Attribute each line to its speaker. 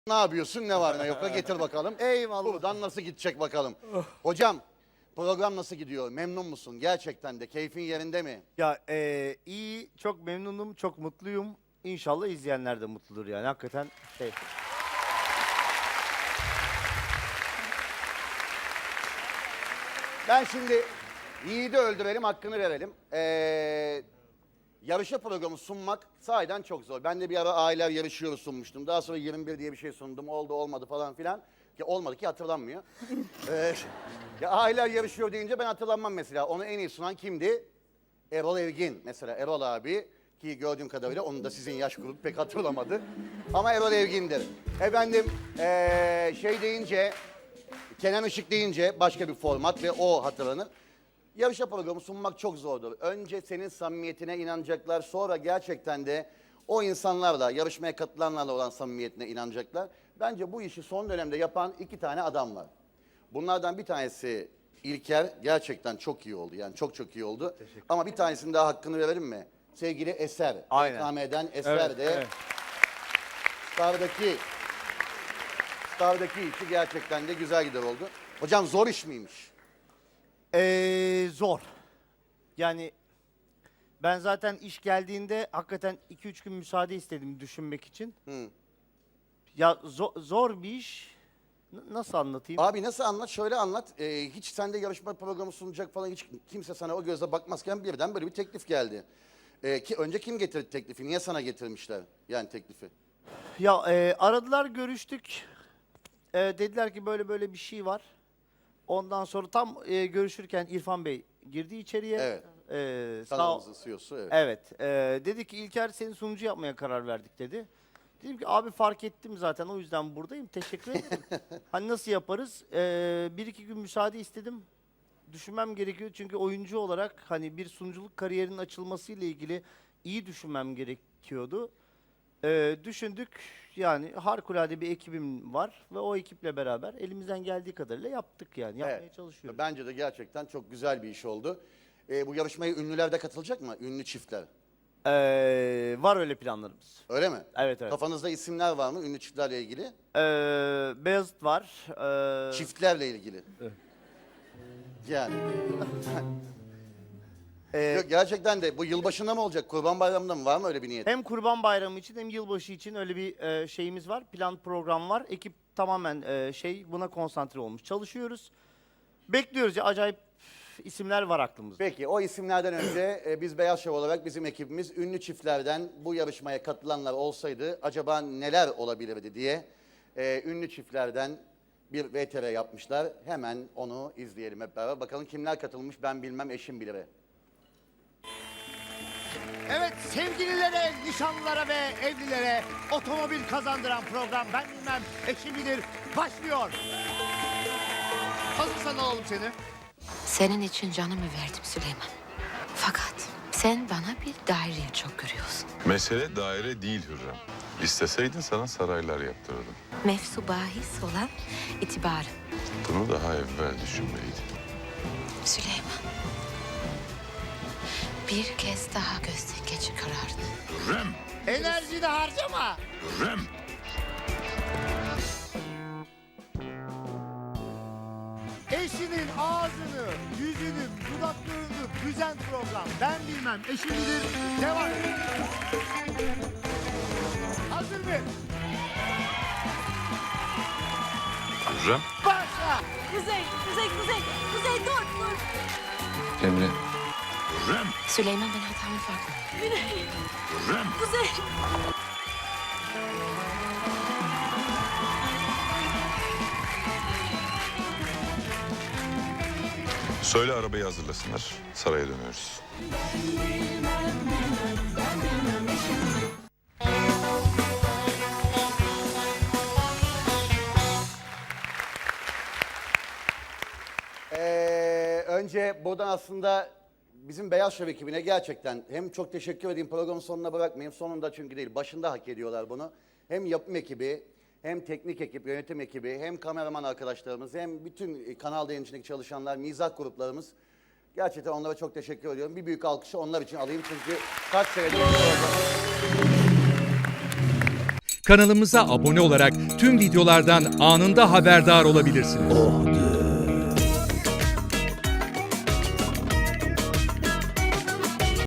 Speaker 1: Ne yapıyorsun? Ne var ne yok? Getir bakalım.
Speaker 2: Eyvallah.
Speaker 1: Buradan nasıl gidecek bakalım. Hocam program nasıl gidiyor? Memnun musun? Gerçekten de keyfin yerinde mi?
Speaker 2: Ya iyi, çok memnunum, çok mutluyum. İnşallah izleyenler de mutludur yani. Hakikaten şey.
Speaker 1: Ben şimdi Yiğit'i öldürelim, hakkını verelim. Yarışma programı sunmak sahiden çok zor. Ben de bir ara aileler yarışıyoruz sunmuştum. Daha sonra 21 diye bir şey sundum. Oldu olmadı falan filan. Ki olmadı ki hatırlanmıyor. Ya aileler yarışıyor deyince ben hatırlanmam mesela. Onu en iyi sunan kimdi? Erol Evgin mesela. Erol abi ki gördüğüm kadarıyla onun da sizin yaş grubu pek hatırlamadı. Ama Erol Evgin'dir. Efendim şey deyince Kenan Işık deyince başka bir format ve o hatırlanır. Yarışma programı sunmak çok zordur. Önce senin samimiyetine inanacaklar, sonra gerçekten de o insanlarla, yarışmaya katılanlarla olan samimiyetine inanacaklar. Bence bu işi son dönemde yapan 2 tane adam var. Bunlardan bir tanesi İlker, gerçekten çok iyi oldu. Yani çok çok iyi oldu. Ama bir tanesinin daha hakkını verelim mi? Sevgili Eser.
Speaker 2: Aynen.
Speaker 1: BKM'den Eser de Star'daki işi gerçekten de güzel gider oldu. Hocam zor iş miymiş?
Speaker 2: Zor. Yani ben zaten iş geldiğinde hakikaten 2-3 gün müsaade istedim düşünmek için.
Speaker 1: Hı.
Speaker 2: Ya zor bir iş. Nasıl anlatayım?
Speaker 1: Abi nasıl anlat? Şöyle anlat. Hiç sende yarışma programı sunacak falan hiç kimse sana o gözle bakmazken birden böyle bir teklif geldi. Ki önce kim getirdi teklifi? Niye sana getirmişler yani teklifi?
Speaker 2: Ya aradılar, görüştük. Dediler ki böyle böyle bir şey var. Ondan sonra tam görüşürken İrfan Bey girdi içeriye.
Speaker 1: Evet.
Speaker 2: Sağ
Speaker 1: Kanalımızın CEO'su evet.
Speaker 2: Evet. Dedi ki İlker seni sunucu yapmaya karar verdik dedi. Dedim ki abi fark ettim zaten o yüzden buradayım. Teşekkür ederim. Hani nasıl yaparız? 1-2 gün müsaade istedim. Düşünmem gerekiyor çünkü oyuncu olarak hani bir sunuculuk kariyerinin açılması ile ilgili iyi düşünmem gerekiyordu. Düşündük yani harikulade bir ekibim var ve o ekiple beraber elimizden geldiği kadarıyla yaptık yani yapmaya
Speaker 1: Evet.
Speaker 2: çalışıyoruz.
Speaker 1: Bence de gerçekten çok güzel bir iş oldu. Bu yarışmaya ünlüler de katılacak mı? Ünlü çiftler.
Speaker 2: Var öyle planlarımız.
Speaker 1: Öyle mi?
Speaker 2: Evet evet.
Speaker 1: Kafanızda isimler var mı ünlü çiftlerle ilgili?
Speaker 2: Beyazıt var.
Speaker 1: Çiftlerle ilgili. Yani. Yok, gerçekten de bu yılbaşında mı olacak? Kurban Bayramı'nda mı? Var mı öyle bir niyet?
Speaker 2: Hem Kurban Bayramı için hem yılbaşı için öyle bir şeyimiz var. Plan program var. Ekip tamamen buna konsantre olmuş. Çalışıyoruz. Bekliyoruz ya acayip isimler var aklımızda.
Speaker 1: Peki o isimlerden önce biz Beyaz Şov olarak bizim ekibimiz ünlü çiftlerden bu yarışmaya katılanlar olsaydı acaba neler olabilirdi diye ünlü çiftlerden bir VTR yapmışlar. Hemen onu izleyelim hep beraber. Bakalım kimler katılmış ben bilmem eşim bilir.
Speaker 3: Evet sevgililere, nişanlılara ve evlilere otomobil kazandıran program Ben Bilmem Eşim Bilir başlıyor. Hazırsan alalım seni.
Speaker 4: Senin için canımı verdim Süleyman. Fakat sen bana bir daireye çok görüyorsun.
Speaker 5: Mesele daire değil Hürrem. İsteseydin sana saraylar yaptırırdım.
Speaker 4: Mefsu bahis olan itibarım.
Speaker 5: Bunu daha evvel düşünmeliydin.
Speaker 4: Süleyman. Bir kez daha gözden geçir kararını.
Speaker 5: Hürrem!
Speaker 3: Enerjini harcama.
Speaker 5: Hürrem!
Speaker 3: Eşinin ağzını, yüzünü, dudaklarını büzen program Ben Bilmem Eşim Bilir devam. Hazır mı?
Speaker 5: Hürrem!
Speaker 3: Başla.
Speaker 6: Kuzey dur.
Speaker 5: Emre! Hürrem!
Speaker 4: Süleyman ben hatamın farkındayım.
Speaker 5: Hürrem!
Speaker 6: Kuzey.
Speaker 5: Söyle arabayı hazırlasınlar. Saraya dönüyoruz.
Speaker 1: Önce buradan aslında bizim Beyaz Şov ekibine gerçekten hem çok teşekkür edeyim programın sonuna bırakmayayım. Sonunda çünkü değil başında hak ediyorlar bunu. Hem yapım ekibi hem teknik ekip, yönetim ekibi hem kameraman arkadaşlarımız hem bütün kanal yayıncılığındaki çalışanlar, mizah gruplarımız. Gerçekten onlara çok teşekkür ediyorum. Bir büyük alkışı onlar için alayım çünkü kaç senedir
Speaker 7: Kanalımıza abone olarak tüm videolardan anında haberdar olabilirsiniz.